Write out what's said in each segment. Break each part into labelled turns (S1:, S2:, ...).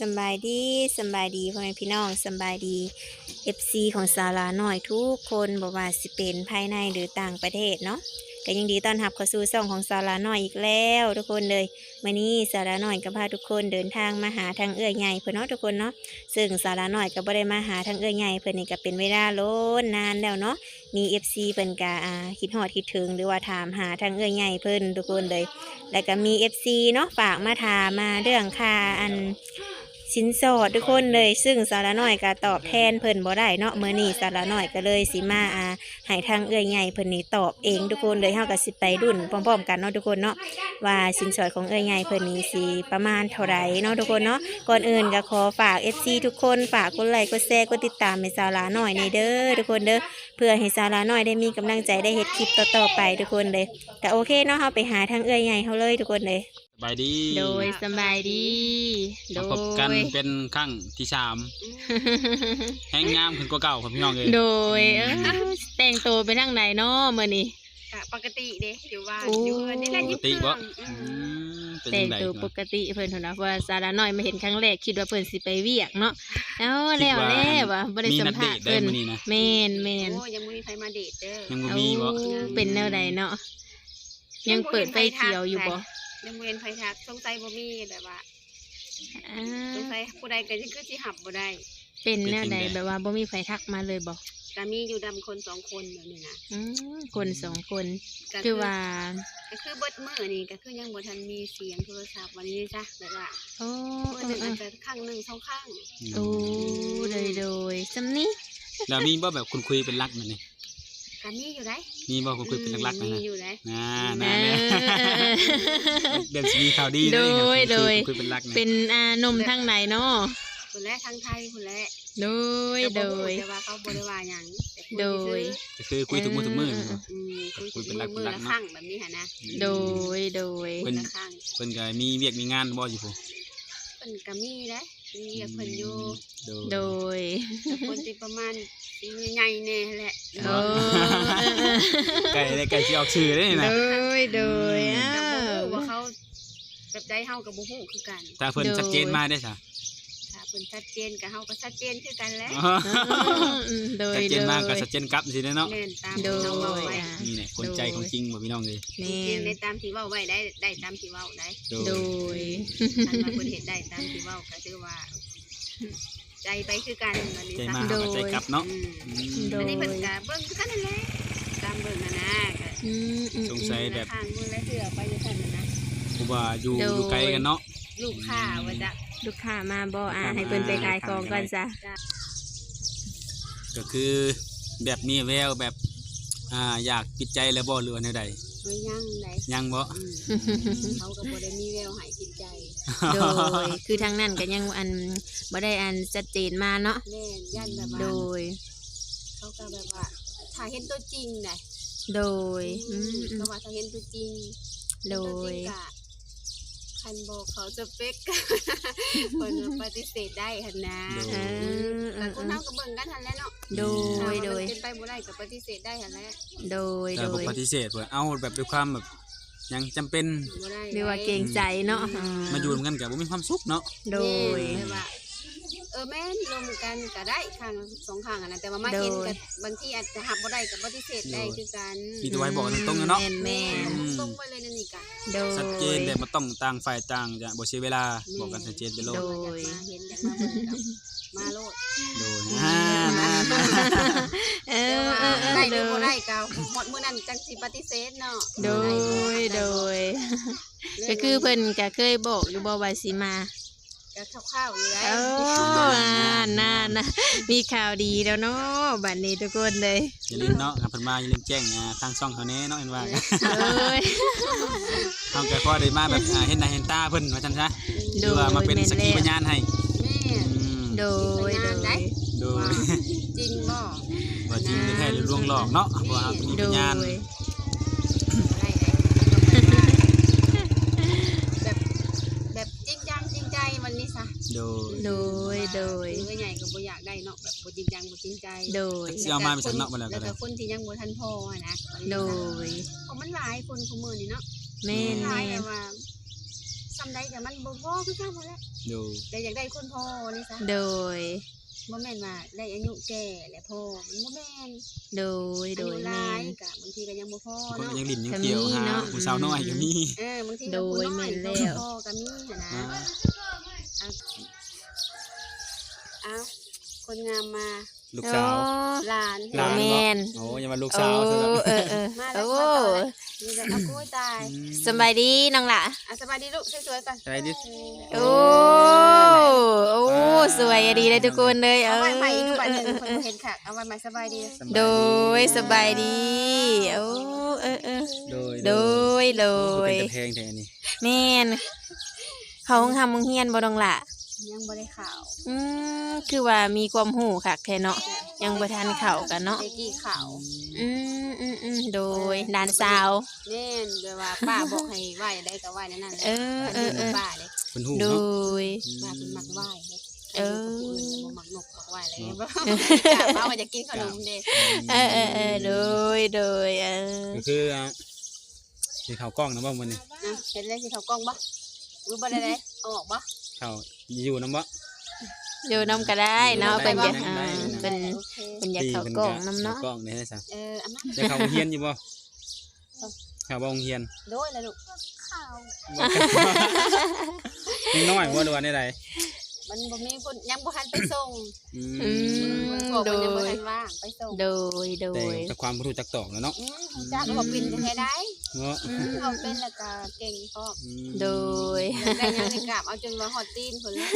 S1: ำบายดีพ่อแม่พี่น้องสำบายดี FC ของสาราหน่อยทุกคนบอกว่าสิเป็นภายในหรือต่างประเทศเนาะก็ยังดีต้อนรับเข้าสู่ช่องของสาราหน่อยอีกแล้วทุกคนเลยวันนี้สาราหน่อยก็พาทุกคนเดินทางมาหาทางเอื้อยใหญ่เพื่อนเนาะทุกคนเนาะซึ่งสาราหน่อยก็บ่ได้มาหาทางเอื้อยใหญ่เพื่อนนี่ก็เป็นเวลาโล้นนานแล้วเนาะมี FC เพิ่นก็คิดฮอดคิดถึงหรือว่าถามหาทางเอื้อยใหญ่เพิ่นทุกคนเลยแล้วก็มี FC เนาะฝากมาถามมาเรื่องค่าสินสอดทุกคนเลยซึ่งสาระน้อยก็ตอบแทนเพิ่นบ่ได้เนาะมื้อนี้สาระน้อยก็เลยสิมาให้ทางเอื้อยใหญ่เพิ่นนี่ตอบเองทุกคนเลยเฮาก็สิไปรุ่นพร้อมๆกันเนาะทุกคนเนาะว่าสินสอดของเอื้อยใหญ่เพิ่นนี่สิประมาณเท่าไหร่เนาะทุกคนเนาะก่อนอื่นก็ขอฝาก FC ทุกคนฝากกดไลค์กดแชร์กดติดตามให้สาระน้อยในเด้อทุกคนเด้อเพื่อให้สาระน้อยได้มีกำลังใจได้เฮ็ดคลิปต่อๆไปทุกคนเลยก็โอเคเนาะเฮาไปหาทางเอื้อยใหญ่เฮาเลยทุกคนเลย
S2: สบายดี
S1: โดยสบายดีโด
S2: มาย พบกันเป็นครั้งที่3 แห้งงามขึ้นกว่าเก่าครับพี่น้องเลย
S1: โดยแต่งตัวไปทางไหนเนาะมื้อนี้
S3: ปกติเด้อยู่บ้านอยู่เฮือนนี่แหละ
S2: ปก
S3: ยิบ
S2: ติ
S3: เครื่
S2: บ่
S3: อง
S2: เป็น
S1: แต่
S2: จั
S1: ง
S2: งได๋
S1: ตัวปกติเพิ่นเท่านั้นเพราะว่าสาระน้อยมาเห็นครั้งแรกคิดว่าเพิ่นสิไปเวียกเนาะเอาแล้วว่ะบ่ได้สัมภาษณ์เพิ่นแม่น
S3: โอ้ยังไม่มีใครมาเดทเด้อ
S2: ยังบ่
S1: เอา
S2: มีบ่
S1: เป็นแนวใดเนาะยังเปิดไฟเขียวอยู่บ่
S3: ยังบ่เห็นไฟทักสงสัยบ่มีแบบว่าสงสัยผู้ใดก็คือสิหับบ่ได้
S1: เป็นแนวใดแบบว่าบ่มีไฟทักมาเลยบ่
S3: ก็มีอยู่ดำคน2คนแบบนี้นะ
S1: คน2คนคือว่า
S3: ก็คือเบิดมื้อนี่ก็คือยังบ่ทันมีเสียงโทรศัพท์วันนี้จ้ะแบบว่า
S1: โอ้
S3: มื้อนึงอาจจะครั้งนึง2ครั้ง
S1: โอ้โดยซำนี้
S2: แล้วมีบ่แบบคุณคุยเป็นรักนั่นนี่
S3: ก็มีอยู่ได้
S2: มีบ่คุณคุยเป็นรักๆนั่น
S3: มี
S2: น่ะ
S3: อยู่ได้
S2: น่าเดี๋ยวสิมีข่าวดี
S1: โดย
S2: คุยเป็นรัก
S1: เป็นนมทางไหนเนาะ
S3: คนแรกทางไทยคนแรก
S1: โดย
S3: แต่ว่าเขาบ่ได้ว่าหยัง
S1: โดย
S2: ก็คือคุยทุกมื้อทุกมื้อ
S3: คุยเป็นมือละครั้งแบบนี้ค่ะนะ
S1: โดย
S3: มือละครั้ง
S2: เพิ่นก็มีเวียกมีงานบ่อยู่พุ่น
S3: เพิ่นก็มีได้มีเพิ่นอยู่
S1: โดย
S3: คนที่ประมาณปีใหญ่ๆแน่แหละ
S1: โอ้
S2: ไก่สิออกชื่อได้นี่นะ
S1: โดย
S3: แต่บ่ฮู้ว่าเขาแบบใดเฮาก็บ่ฮู้คือกัน
S2: ถ้าเพิ่นชัดเจนมาได้ซะ
S3: ถ้าเพิ่นชัดเจนก็เฮาก็ชัดเจนคือกันแหละ
S1: โดย
S2: ชัดเจนมากก็ชัดเจนกลับสิเนาะ
S3: แม่นตาม
S1: โด
S3: ที่เราเว้าย ไว้
S2: นี่แหละคนใจของจริงบ่พี่น้องเลย
S1: แม่
S3: จริงในตามที่เว้าไว้ได้ตามที่เว้าได้
S1: โดย
S3: คันว่าเพิ่นเฮ็ดได้ตามที่เว้าก็ถือว่า ใจไปคือกันบัดนี้
S2: ใจ
S3: ซะ
S2: มากก็ใจกลับเนาะ
S1: โดย
S3: อันนี้เพิ่นก็เบิ่งคือกันนั่นแหละตามเบิ่งน่ะนะก็
S2: สงสัยแบบ
S3: ทางมือและเสือไปอยู่ซั่นน่ะนะ
S2: เพราะว่าอยู่ไกลกันเนาะ
S3: ลูกค้าว่าจะ
S1: ลูกค้ามาบ่ให้เพิ่นไปขายของก่อนจ้ะ
S2: ก็คือแบบมีแววแบบอยากปิดใจแล้วบ่หรือว่าแนวใด
S3: ไม่ยั่งได้
S2: ยังบ่
S3: เขาก็บ่ได้มีแววหายจิตใจ
S1: โดยคือทางนั้นก็ยังบ่ได้ชัดเจนมาเนาะ
S3: แม่นยันแบบ
S1: โด
S3: ว่าย เขาก็แบบว่าถ้าเห็นตัวจริงได้
S1: โดย
S3: ก็ว่าถ้าเห็นตัวจริง
S1: โดย
S3: คันบอกเขาสเปค คนปฏิเสธได้หั่นนะแต่คนเฮาก็เบิ่งกันหั่นแหละเนาะ
S1: โดย
S3: เป็นไปบ่ได้ก็ปฏิเสธได้หั่นแหละ
S1: โดย
S2: แต่บ่ปฏิเสธว่าเอาแบบด้วยความแบบยังจำเป็น
S3: บ่ได้
S1: หรือว่าเกรงใจเนาะ
S2: มาอยู่ร่วมกันก็บ่มีความสุขเนาะ
S1: โดย
S3: ว่าแม่นรวมกันก็ได้ข้าง2ข้างอ่ะนะแต่ว่ามาเห็นกับบางทีอาจจะหับบ่ได้ก็ปฏิเสธได้คือกัน
S2: มีตัวไว้บอกตรงๆเนาะ
S1: แม่น
S3: ตรงไปเลยนั่นนี่กะ
S1: โดย
S2: ชัดเจนแบบบ่ต้องต่างฝ่ายต่างจะบ่เสียเวลาบอกกันชัดเจนไปโลด
S1: โด
S3: มาเห็นอยากมาเบิ่งกับมาโลด
S2: โดย
S3: ได้หรือบ่ได้ก็หมดมื้อนั้นจังสิปฏิเสธเนาะ
S1: โดยก็คือเพิ่นก็เคยบอกอยู่บ่ว่าสิมา
S3: ก็คร่าวๆอยู่ได้
S1: โอ้น่ามีข่าวดีแล้วเนาะบัดนี้ทุกคนเลย
S2: อย่าลืมเนาะครับเพิ่นมาอย่าลืมแจ้งทางช่องเขาแน่เนาะเห็นว่ากัน
S1: เอ้ย
S2: เฮาก็พอได้มาแบบเห็นหน้าเห็นตาเพิ่นว่าซั่นซะหรือว่ามาเป็นสักขีพยานให้
S3: แม่
S1: โดย
S2: โดย
S3: จริงบ่
S2: ว่าจริงหรือแท้หรือลวงหลอกเนาะเพราะว่าเรามี
S1: โด
S2: พ
S1: ย
S2: ยาน
S3: แบบจริงจังจริงใจวันนี้ซะ
S2: โดย
S1: โดย
S3: ใหญ่ก็บ่อยากได้เนาะแบบบ่จริงจังบ่จริงใจ
S1: โดย
S2: สิเอามาเป็นสังเนาะบ่แล้วก็
S3: แล้ว
S2: ได้
S3: ก็คนที่ยังบ่ทันพอนะ
S1: โดย
S3: เพราะมันหลายคนคุมื้อนี่เนาะ
S1: แม่น
S3: หลายแบบว่าซ้ำใดแต่มันบ่พอคือกันนั่นแหละ
S2: โดย
S3: แต่อยากได้คนพ่อนี่ซะ
S1: โดย
S3: บ่แม่นว่าได้อายุแก่และพ่อมันบ่แม่น
S1: โดย
S3: อา
S1: โด
S3: ยุ
S1: ย
S3: ห
S1: แม่
S3: ลาย
S1: น
S3: ก็บางทีก็ยังบ่พอ
S2: คน
S3: เนาะ
S2: ก็ยังลิ้นยังเกี่ยว
S1: ก็มี
S2: หา
S1: เนาะ
S2: ผู้สาวน้อยก็มี
S3: บางที
S1: โด
S3: ก็
S1: ย
S3: ผู้น้อย
S1: แม่น
S3: ก็
S1: แล้ว
S3: พ่อก็มีหั่นนะ
S2: อ่า
S3: เอาคนงามมา
S2: ลูกสาว
S3: หลาน
S2: หลาน
S1: แม่น
S2: โอ้ยังมาลูก
S1: โอ้
S2: สาวซะแล้ว
S3: มาแล้ว
S1: โอ้
S3: นี่แหละเอากล้วยตาย
S1: สบายดีน้องล่ะ
S3: สบายดีลูกสวยๆก่อน
S2: สบายดี
S1: โอ้โอ้สวยอะดีเลยทุกคนเลย
S3: เอาไว้ใหม่อีกใบหนึ่งคนบ่เห็นค่ะเอาไว้ใหม่สบายดี
S1: โดยสบายดีโอ้
S2: โดย
S1: โดยโด
S2: เป็
S1: ย
S2: นตะแพงแท้นี่
S1: แม่นเขาห้องทำมึงเฮียนบ่ดองล่ะ
S3: ยังบ่ได้ข่าว
S1: คือว่ามีความหูคักแท้เนาะยังบ่ทันเข้ากันเนาะ
S3: เด็กกี่ข่าว
S1: โดยหลานสาว
S3: แน่นโดยว่าป้าบอกให้ไหว้ได้ก็ไหว้นั่นแหละ ป้าเลย
S2: เป็นหู
S1: โด
S2: เนาะ
S1: ย
S3: ป้าเป็นมักไหว้เลย
S1: เออ
S3: บ่มักนกมักไหว้อะไรบ่จ้าป้าว่าจะกินขนมเด้
S1: โดย
S2: ก็คือสิเข้ากล้องนะบ่มื้อนี้
S3: เห็นเลยสิเขากล้องบ่รู้บ่ได้เลยเอาออกบ่
S2: เข้าอยู่นำบ่
S1: อยู่น้ำก็ได้เนาะเป็นอยาก
S2: ได้
S1: เป็น
S3: โอเค
S1: เป็นอยากเข้ากล่องน้ำเนาะ
S2: กล้องได้ซะ
S3: อามา
S2: จะเข้าโรงเรียนอยู่บ่เข้าบ่โรงเรียน
S3: โดยเลยลูกข่าว
S2: ยังน้อยบ่หรือว่าได้ใด
S3: มันบ่มีคนยังบ่ทันไปส่ง
S1: ม
S3: บอก
S1: โด
S3: มันยังบ่
S1: ย
S3: ทันว่างไปส่ง
S1: โดย
S2: แต่ความรู้จักตอกแล้วเนาะ
S3: จ้าก็บอกเป็นแท้ได้
S2: เนาะ
S3: เอาเป็นแล้วก็เก่งพร้อม
S1: โดย
S3: ได้ยังในกราบเอาจนว่าฮอดตีนพุ่นเลย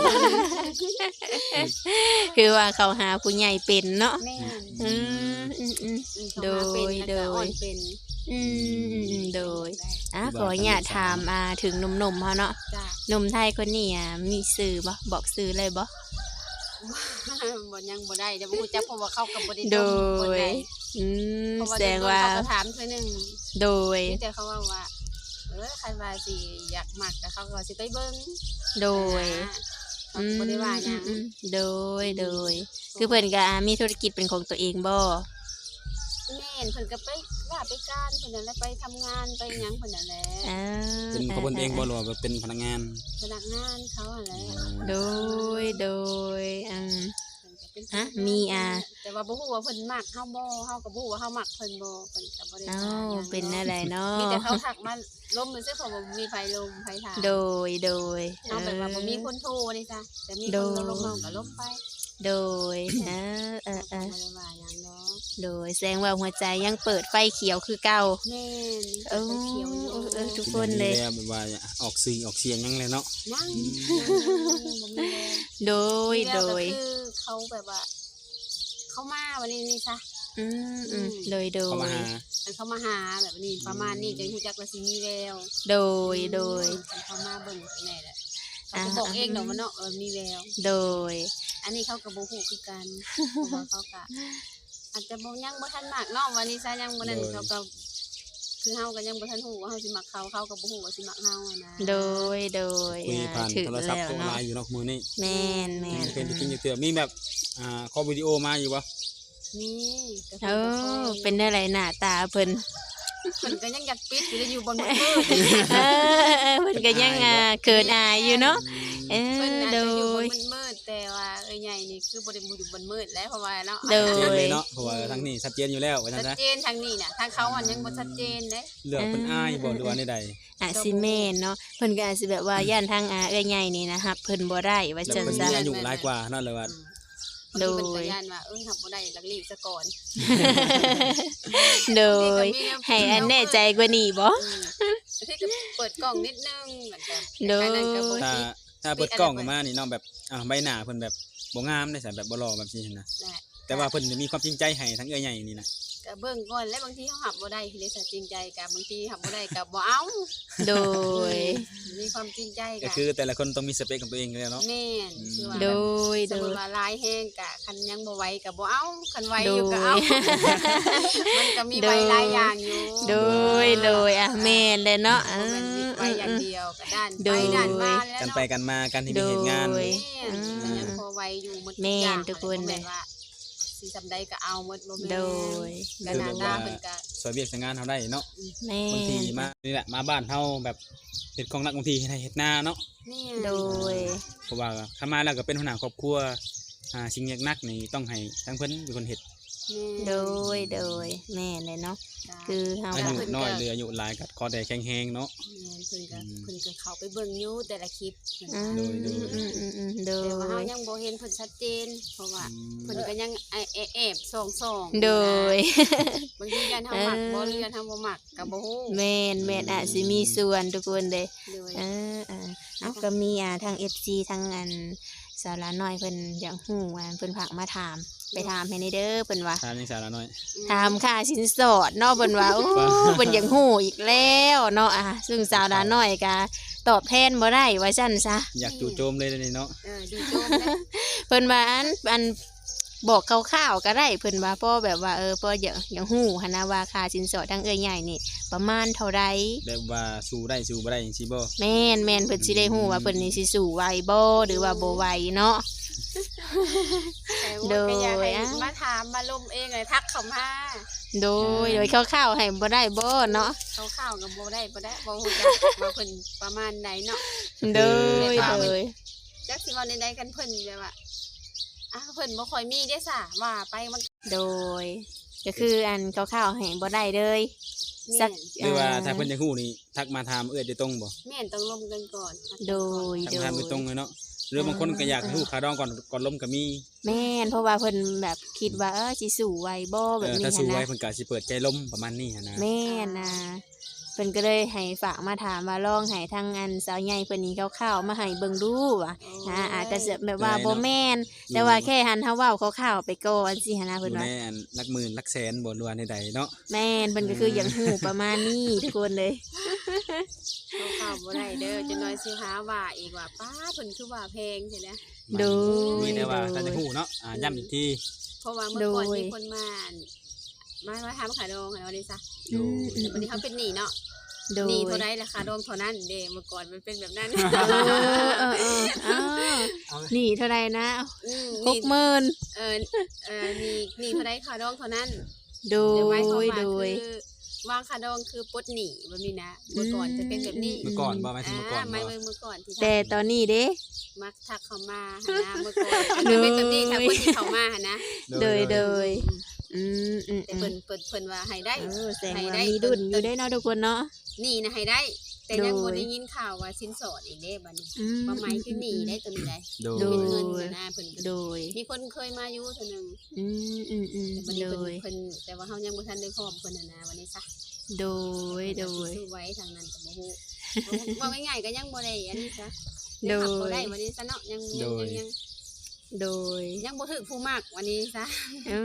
S1: คือว่าเขาหาผู้ใหญ่เป็นเนาะ
S3: แม่น
S1: โดย
S3: โดยเป็น
S1: โดยขออยากถามถึงหนุ่มๆเขาเนาะ
S3: จ้า
S1: หนุ่มไทยคนนี้มีสื่อบ่บอกสื่อเลยบ่
S3: บ่ยังบ่ได้จะบ่รู้จักเพราะว่าเขาก็บ่ได้
S1: โด
S3: คน
S1: ย
S3: ใด
S1: แสดงว่า
S3: เขาก็ถามเทื่อนึง
S1: โดย
S3: แต่เขาว่าคันว่าสิอยากมักแต่เขาก็สิไปเบิ่ง
S1: โดย
S3: เขาก็บ่ได้ว่าหยัง
S1: โดย คือเพิ่นก็มีธุรกิจเป็นของตัวเองบ่
S3: แม่นเพิ่นก็ไปว่าไปการเพิ่นนั่นแหละไปทำงานไปหยังเพิ่นนั่นแหละ
S2: เป็นเขาเพิ่นเองบ่หรือว่าเป็นพนักงาน
S3: พนักงานเขาหั่นแหละ
S1: โดย
S3: เพิ่นก็เป็น
S1: มี
S3: แต่ว่าบ่ฮู้ว่าเพิ่นมักเฮาบ่เฮาก็บ่ฮู้ว่าเฮามักเพิ่นบ่เพิ่นก็บ่ได้
S1: อ้า
S3: ว่าห
S1: ว
S3: ยัง
S1: เป็นอะไรเนาะ
S3: มีแต่เขาทักมาล้มมือซื่อเพราะว่าบ่มีไฟลมไฟถาม
S1: โดย
S3: เฮาแบบว่าบ่มีคนโทรนี่จ้ะแต่มี
S1: โด
S3: คน
S1: ย
S3: ลงเฮาก็ลบไป
S1: โดย
S3: บ่ได้ว่าหยังเนาะ
S1: โดยแสดงว่าหัวใจยังเปิดไฟเขียวคือเก่า
S3: แม่น
S1: เออ
S3: ไฟเขียวอยู่
S1: ทุกคนเลย
S2: แบบว่าออกสื่อออกเสียงยังเลยเนาะ
S3: ยังบ่มีแรง
S1: โดย
S3: มีแล้วก็คือเขาแบบว่า เขามาวันนี้นี่ซะ
S1: โดย
S2: เข้ามาหา
S3: มันเขามาหาแบบนี้ประมาณนี้จะรู้จักว่าสิมีแวว
S1: โดย
S3: มันเขามาเบิ่งแน่แหละเขาก็บอกเองดอกว่าเนาะมีแวว
S1: โดย
S3: อันนี้เขาก็บ่ฮู้คือกันเพราะว่าเขาก็อาจจะบ่ยังบ่ทันมากเนาะวันนี้ซะยังบ่นั่นเขาก็คือเฮาก็ยังบ่ทันฮู้ว่าเฮาสิมักเขาก็บ่ฮู้ว่าสิมักเฮาอะนะ
S1: โดย
S2: คุยผ่าน
S1: ถึง
S2: โทรศัพท์
S1: แล้ว
S2: โทรไล
S1: เนาะ
S2: น์อยู่เนาะมือนี้
S1: แม่น
S2: เป็นจริงๆเตือมีแบบคอลวิดีโอมาอยู่บ่
S3: มีแต่
S1: เอ
S3: เพิ่นก็
S1: เป็นอะไรหน้าตาเพิ่น
S3: เพิ่นก็ยังอยากปิดอยู่เลยอยู่บนมืด
S1: เพิ่นก็ยังเขินอายอยู่เนาะ
S3: เพิ่นอาจ
S1: โด
S3: จะอยู่บ
S1: ย
S3: นมืดแต่ว่าใหญ่นี่คือบ่ได้อยู่บนมืดแล้วเพราะว่าเนาะ
S1: โด
S2: ชัดเจน
S1: ย
S2: เลยเนาะเพราะว่าทั้งนี้ชัดเจนอยู่แล้วว่าซั่น
S3: ชั
S2: ซะ
S3: ดเจนทางนี้น่ะทางเขาอันยังบ่ชัดเจนเด้
S2: เลือกเป็นอ้ายบ่หรือว่าใด
S1: อาจสิแม่นเนาะเพิ่นก็อาจสิแบบว่าย่านทางเอื้อยใหญ่นี่นะครับเพิ่นบ่ได้ว่า
S2: ๆแล้ว
S1: จัง
S2: เพิ่น
S1: ซะ
S2: มีอายุหลายกว่าเนาะเลยว่า
S1: โดย
S3: บางทีเพิ่นก็ย่านว่าหับบ่ได้ลักลีบซะก่อน
S1: โดย ให้อันแน่ใจกว่านี้บ่
S3: ที่ก็เปิดกล่องนิดนึงเหมือนกัน
S1: โดย
S3: แค่นั้นก็บ่
S2: ถ้า
S3: คิด
S2: ถ้าเปิดกล้องออกมานี่เนาะแบบใบหน้าเพิ่นแบบบ่งามได้ซะแบบบ่หล่อแบบนี้นะ
S3: แหละ
S2: แต่ว่าเพิ่นจะมีความจริงใจให้ทั้งเอื้อยใหญ่นี่นะ
S3: ก็เบิ่งก่อนแล้วบางทีเฮาหับบ่ได้คือเลยจริงใจกับบางทีหับบ่ได้ก็บ่เอา
S1: โดย
S3: มีความจริงใจ
S2: ก็
S3: กั
S2: คือแต่ละคนต้องมีสเปคของตัวเองอยู่แล้วเนาะ
S3: แม่นคือว่า
S1: โดย
S3: ส
S1: โด
S3: มมุ
S1: ย
S3: ติว่าลายแห้งกะคันยังบ่ไหวก็บ่เอาคันไหวอยู่ก็เอา มันก็มีใบหลายอย่างอยู่
S1: โดยแม่นเลยเนาะ
S3: บ่แม่นมีใบอย่างเดียวก็ด้าน
S1: โด
S3: ไป
S1: ย
S3: ด้านมาแล้ว
S2: กัน
S3: เนาะ
S2: ไปกันมากันที่มีเหตุงาน
S1: โดย
S3: แม่นก็ยังพอไหวอยู่หมดทุ
S1: แม่น
S3: อย่าง
S1: ทุกคน
S3: บ่
S1: เล
S3: แม่
S1: ย
S3: นว่าสสิซำใดก็เอาหมดบ่แม่น
S1: โดย
S3: ก็หน้าตาเพิ่นก็
S2: สวยเวียกสวยงานเฮาได้เนาะ
S1: แม่
S2: บางทีมานี่แหละมาบ้านเฮาแบบเฮ็ดของรักบางทีให้เฮ็ดนาเนาะ
S3: นี่
S1: โดย
S2: เพราะว่าถ้ามาแล้วก็เป็นหัวหน้าครอบครัวสิ่งยากนักนี่ต้องให้ทั้งเพิ่นเป็นคนเฮ็ด
S1: โดยแม่เลยเนาะ
S3: คื
S1: คือ อเฮา
S2: อา
S1: ก็
S2: ยุน้อยหรืออายุหลายก็ขอแต่แข็งแรงเนาะ
S3: เพิ่นก็เข้าไปเบิ่งอยู่แต่ละคลิปเพิ่น
S1: อืม
S2: โดย
S1: โด
S3: แต่ว่าเฮาย ยังบ่เห็นเพิ่นชัดเจนเพราะว่าเพิ่นก็ยังแอบส่องๆ
S1: โดย
S3: บางทียันเฮามักบ่หรือยันเฮาบ่มักก็บ่ฮู้
S1: แม่นอาจสิมีส่วนทุกคนเลย
S3: เลย
S1: เอาก็มีทาง FC ทางอันสาวหลาน้อยเพิ่นอยากฮู้เพิ่นฝากมาถามไปถามให้ในเด้อเพิ่นว่า
S2: ทานยังสาระน้อย
S1: ถามค่าสินสอดเนาะเพิ่นว่าโอ้เพิ่นอยากฮู้อีกแล้วเนาะซึ่งสาวหลาน้อยก็ตอบแทนบ่ได้ว่าซั่นซะ
S2: อยากจู่โจมเลยนี่เนาะ
S3: ดูโจมได้
S1: เพิ่นว่าอันบอกคร่าวๆก็ได้เพิ่นว่าพ่อแบบว่าพ่ออยากฮู้หันนะว่าค่าสินสอดทางเอ้ยใหญ่นี่ประมาณเท่าใด
S2: แบบว่าสู้ได้สู้บ่ได้จังซี่บ่
S1: แม่นเพิ่นสิได้ฮู้ว่าเพิ่นนี่สิสู้ไหวบ่หรือว่าบ่ไหวเนาะ
S3: แต่ว่าก็อยากให้มาถามมาลมเองเลยทักเข้ามา
S1: โดยคร่าวๆให้บ่ได้บ่เนาะ
S3: ข้าวๆก็บ่ได้บ่ฮู้จักว่าเพิ่นประมาณใดเนาะ
S1: โดย
S3: จักสิเว้าใดๆกันเพิ่นแบบว่าเพิ่นบ่ค่อยมีเด้ซะว่าไปมัน
S1: โดยก็คืออันคร่าวๆให้บ่ได้เลย สัก
S2: หรือว่าถ้าเพิ่นอยากฮู้นี่ทักมาถามโดยตรงบ่
S3: แม่นต้องลมกันก่อน
S1: โดย
S2: ทักมาถามโดยตรงเลยเนาะหรือบางคนก็อยากฮู้ค่าดองก่อนล้มก็มี
S1: แม่นเพราะว่าเพิ่นแบบคิดว่าสิสู้ไหวบ่แบบนี้
S2: ถ้าสู้
S1: หั้น
S2: ไว้
S1: นะ
S2: เพิ่นก็สิเปิดใจล้มประมาณนี้หันนะ
S1: แม่นะเพิ่นก็เลยให้ฝากมาถามว่าลองให้ทางอันสาวใหญ่เพิ่นนี้คร่าวๆมาให้เบิ่งดูว่าอาจจะแบบว่าบ่แม่นแต่ว่าแค่หันเฮาเว้าคร่าวๆไปก่อนสิหันนะ
S2: เพิ่
S1: เพิ่
S2: น
S1: น
S2: ว่า
S1: ว่า
S2: หลักหมื่นหลักแสนบ่รู้ว่าใดๆเนาะ
S1: แม่นเพิ่นก็คืออย่างฮู้ประมาณนี้ทุกคนเลย
S3: ข้าวบ่ได้เด้อจะน้อยสิหาว่าอีกว่าป้าเพิ่นคือว่าแพงใช่ไหม
S1: โดย
S2: มีแต่ว่าถ้าจะฮู้เนาะย้ำอีกที
S3: เพราะว่าเมื่อก่อนมีคนมาทำขาดองอะไรนี่ซะ
S2: โดย
S3: แต่วันนี้เขาเป็นหนี้เนาะ
S1: โดย
S3: หนี้เท่าไรราคาดองเท่านั้นเด้เมื่อก่อนมันเป็นแบบนั้น
S1: นี่เท่าไหร่นะ
S3: หนี้
S1: 60,000
S3: หนี้เท่าไรขาดองเท่านั้น
S1: โด
S3: เดี๋ยวไว้เข้าย มา
S1: โด
S3: คื
S1: ย
S3: อวางขาดองคือปลดหนี้แบบนี้นะเมื่อก่อนจะเป็นแบบนี้
S2: เมื่อก่อนบ่หมายถึงเมื่อก่อน
S3: ไม่
S2: บ่
S3: เมื่อก่อนที่
S1: แต่ตอนนี้เด้
S3: มักทักเข้ามาหานะเมื่อก่อนจะเป็นแบบนี้ถ้าคนที่เข้ามาหานะ
S1: โดย
S3: แต่เพิ่นว่าให้ได้
S1: แสดงว่ามีดุลอยู่ได้เนาะทุกคนเนาะ
S3: หนี้นะให้ได้ แต่ยัง
S1: โด
S3: บ่
S1: ย
S3: ได้ยินข่าวว่าสินสอดอีกเด้บัดนี้
S1: อืม
S3: บ่หมายคือหนี้ได้ตัวนี้ได้
S2: โด
S1: โด
S2: ย
S3: เป็นเงินนะเพิ่นก็
S1: โดย
S3: มีคนเคยมาอยู่เทื่อนึง แต่บัดนี้
S1: โดย
S3: เพิ่นแต่ว่าเฮายังบ่ทันได้พร้อมเพิ่นน่ะนะวันนี้ซะ
S1: โดย โดย
S3: ซื้อไว้ทางนั้นก็บ่ฮู้ว่าง่ายๆก็ยังบ่ได้อันนี้ซะ
S1: โดย
S3: ยังขับบ่ได้วันนี้ซะเนาะยัง
S1: โดย
S3: ยังบ่ถึกผู้มักวันนี้ซะ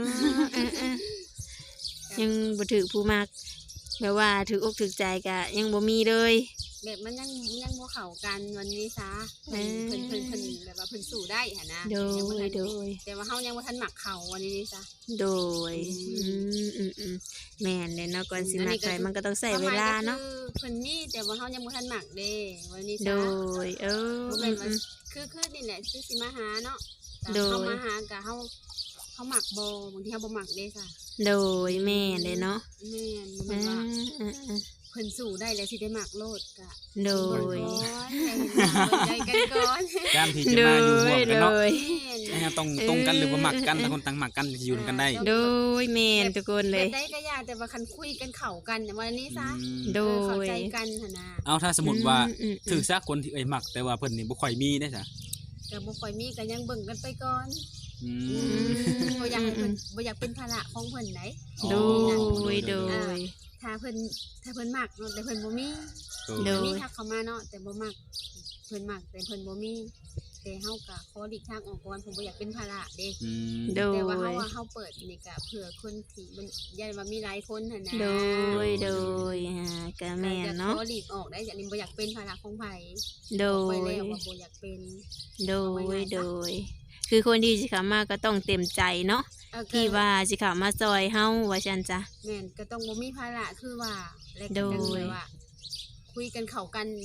S1: ยังบ่ถือผู้มักแบบว่าถือกถือใจกะยังบ่มีเลย
S3: แบบมันยังบ่เข้ากันวันนี้ซะเพิ่นแบบว่าเพิ่นสู้ได้หั่นนะ
S1: โด
S3: ยังบ่ทั
S1: ย
S3: น
S1: โดย
S3: แต่ว่าเฮายังบ่ทันมักเขาวันนี้ซะ
S1: โดยแม่นเลยเนาะก่อนสิมักใครมันก็ต้องใช้เวลาเนาะ
S3: เพิ่นมีแต่ว่าเฮายังบ่ทันมักเด้วันนี้
S1: โด
S3: ซะ
S1: ย
S3: บ่แม่นว่าคือนี่แหละคือสิมาหาเนาะ
S1: โดย
S3: เฮามาหากะเฮามักบ่บางทีเฮาบ่มักเด้ซะ
S1: โดยแม่นเลยเนาะ
S3: แม่นบ่แม่นว่าเพิ่นสู้ได้แล้วสิได้มักโลดกะ
S1: โดย
S3: ใจกันก่อน
S2: การที่จะ
S1: โด
S2: มาอยู่ร่วย มกัน
S1: โด
S2: เนาะ
S1: ย
S2: นะครับต้องตรงกันหรือว่ามักกันแต่คนต่างมักกันจะอยู่กันได้
S1: โดยแม่นทุกคนเลย
S3: ได้ก็ยากแต่ว่าคันคุยกันเข้ากันวันนี้ซะ
S1: โด
S3: เข้าย ใจกันหั่นน่ะ
S2: เอาถ้าสมมติว่าถือซะคนที่มักแต่ว่าเพิ่นนี่บ่ค่อยมีได้จ้ะ
S3: ก็บ่ค่อยมีก็ยังเบิ่งกันไปก่อน
S2: อืม
S3: บ่อยากให้เพิ่นบ่อยากเป็นภาระของเพิ่นไหน
S1: โดยโดย
S3: ถ้าเพิ่นมักเนาะแต่เพิ่นบ่มี
S1: โดย
S3: มีทักเข้ามาเนาะแต่บ่มักเพิ่นมักแต่เพิ่นบ่มีแต่เฮาก็ขอหลีกทางออกก่อนผมบ่อยากเป็นภาระเด้
S2: อืม
S1: โด
S3: แต่ว่าเฮาเปิดนี่ก็เผื่อคนที่มันยันว่ามีหลายคนหั่นนะ
S1: โดยก็แม่นเนาะ
S3: ขอหลีกออกได้จากนี้บ่อยากเป็นภาระของไผ
S1: โด
S3: ไป
S1: ย
S3: แล้วว่าบ่อยากเป็น
S1: โดยคือคนที่สิเข้ามาก็ต้องเต็มใจเนาะที่ว่าสิเข้ามาซอยเฮาว่าซั่นจ้ะ
S3: แม่นก็ต้องบ่มีภาระคือว่าและ
S1: โด
S3: ก็
S1: ย
S3: แบบว่า คุยกันเข้ากัน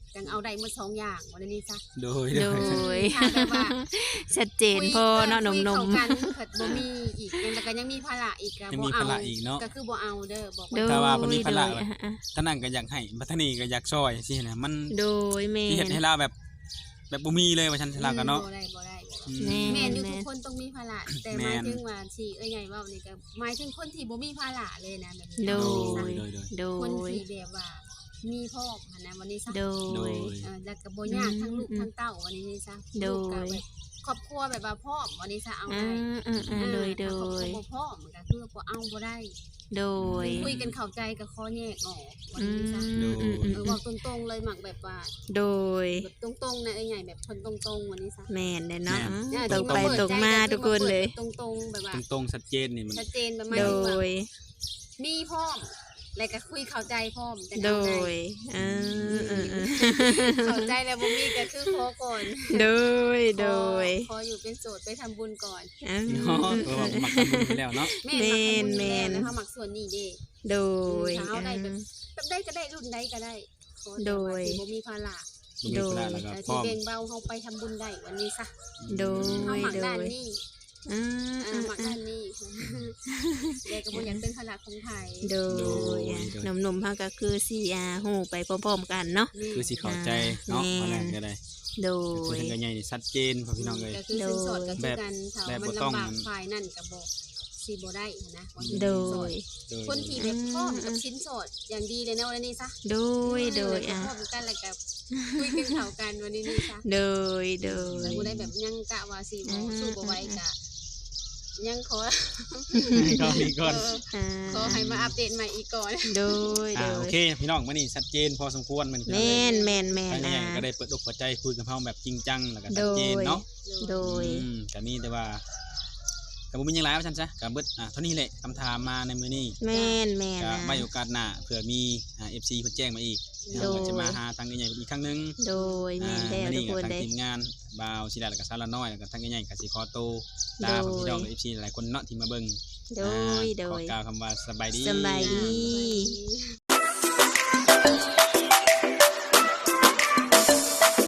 S3: จังเอาได้หมด2อย่างวันนี้ซะ
S2: โดย
S1: โดย
S3: ถ้าแบบว่า
S1: ชัดเจนพอเนาะหน
S3: คุย
S1: ม
S3: เข้ากันเพิ่นบ่มีอีกยังแต่ก็ยังมีภาระอีกก็
S2: ยัง
S3: บ่
S2: มี
S3: เอา
S2: ภาระอีกเนาะ
S3: ก็คือบ่เอาเด้อบอก
S1: ๆโด
S3: ไว้
S1: ย
S2: ถ้าว่าเพิ่นมีภาระ
S1: โดยอ่ะ
S2: ท่านั้นก็อยากให้บัดท่านี้ก็อยากซอยสินะมัน
S1: โดยแม่
S2: ที่เฮ็ด
S1: น
S2: ให้เราแบบบ่มีเลยว่าฉันเราก็เนาะ
S3: บ่ได้
S2: อืม
S1: แม่
S3: แม่นอยู่ทุกคนต้องมีภาระแต่ห
S2: แม่
S3: มาย
S2: น
S3: ถึงว่าที่ใหญ่เว้านี่ก็หมายถึงคนที่บ่มีภาระเลยนะแบบ
S1: โด
S3: นี้
S1: ย
S2: โดย
S1: โด
S3: คน
S1: ย
S3: ที่แบบว่ามีพ่อหันนะวันนี้ซะ
S1: โด
S2: โด
S1: ย
S2: ย
S3: แล้วก็บ่ยากทั้งลูกทั้งเต้าวันนี้ซะ
S1: โดย
S3: ลูกก็แบบครอบครัวแบบว่าพ่อวันนี้ซะเอา
S1: อ่า
S3: ได้
S1: โดยโด
S3: ถ้าครอบครัวย บ่พ่อมันก็คือบ่เอาบ่ได้
S1: โดย
S3: คุยกันเข้าใจก็ข้อแยกออกวัน
S1: อื
S3: นี้
S1: ม
S3: ซะ
S2: โดย
S3: บอกตรงๆเลยหมักแบบว่า
S1: โดย
S3: แบบตรงๆนะใหญ่แบบคนตรงๆวันนี้ซะ
S1: แม่นเลยเนาะ
S2: แม่น
S1: ตรงไปตรงมาทุกคนเลย
S3: ตรงๆแบบว่า
S2: ตรงๆชัดเจนนี่มัน
S3: ชัดเจนแบบไม่
S1: โด
S3: ว่า
S1: ย
S3: มีพร้อมแล้วก็คุยเข้าใจพร้อมแต่
S1: โด
S3: เข้าใจ
S1: ยเออ
S3: เข้าใจแล้วบ่มีก็คือขอก่อน
S1: โดย โดย
S3: ขออยู่เป็นโสดไปทำบุญก่อน
S1: อ่า
S2: เนาะเออว่ามักทำบุญไปแล้วเนาะ
S3: แม่นมักทำบุญ
S1: แม่น
S3: แล้วเขามักส่วนนี้เด้
S1: โดย
S3: ถ้าเอาได้แบบได้ก็ได้รุ่นใดก็ได้ขอแต่ว่า
S1: โดย
S3: ที่บ่มีภาระ
S2: มีธุระแล้วก็
S3: แต่
S2: พร้
S3: ที่
S2: อม
S3: เบ่งเบาเฮาไปทำบุญได้วันนี้ซะ
S1: โด
S3: เฮาย มัก
S1: โด
S3: ด้าน
S1: ย
S3: นี้
S1: อ่า
S3: มักด้านนี้แต่ก็บ่อยากเป็นภาระของไผ
S1: โดยหนุ่มๆเขาก็คือสีหูไปพร้อมๆกันเนาะ
S2: คือสิเข้าใจเนาะ
S1: แม่น
S2: มาแล้วก็ได้
S1: โด
S2: คือย ทางกันใหญ่นี่ชัดเจนพ่อพี่น้องเลย
S3: ก็คือสินสอดก็คือกันถ้า
S2: แบบ
S3: มัน
S2: บ่ต้อง
S3: ลำบากฝ่ายนั่นก็บ่สิบ่ได้นะว่าสิ
S1: โด
S3: นสอด
S1: ย
S2: โดย
S3: คนที่แบบพร้อมกับชิ้นสอดอย่างดีเลยนะวันนี้ซะ
S1: โดย โดย
S3: พร้อมกันแล้วก็คุยกันเข้ากันวันนี้นี่ซะ
S1: โดย โด
S3: แต่
S1: ย
S3: บ่ได้แบบยังกะว่าสิบ่สู้บ่ไหวกะยังขอ
S2: ก็มีก่อน
S3: ขอให้มาอัปเดตใหม่อีกก่อน
S1: โดย โด
S2: โอย เคพี่น้องมื้อนี้ชัดเจนพอสมควรมัน
S1: แม่นแม่นแม่
S2: ทาง
S1: น
S2: กันใหญ่ก็ได้เปิดอกเปิดใจคุยกับเฮาแบบจริงจังแล้วก็ชัดเจนเนาะ
S1: โดย
S2: ก็มีแต่ว่าก็บ่มีหยังหลายว่าซั่นซะก็เบิดเท่านี้แหละคำถามมาในมื้อนี้
S1: แม่นแม่น
S2: ก็
S1: นะ
S2: ไว้โอกาสหน้าเผื่อมีFC เพิ่นแจ้งมาอีก
S1: โดย
S2: เราก็จะมาหาทางใหญ่ๆอีกครั้งหนึง
S1: โดย แม่นแล้ว
S2: มื้อ
S1: ทุ
S2: นี้
S1: ก
S2: ก็
S1: คน
S2: ทาง
S1: เลย
S2: ทีมงานบ่าวศิลาแล้วก็สารน้อยแล้วก็ทางใหญ่ๆก็สิขอโตวลา
S1: โดย
S2: พี่น้อง FC หลายคนเนาะที่มาเบิ่ง
S1: โดย โด
S2: ขอย กล่าวคำว่าสบายดี
S1: สบายดี
S3: ดี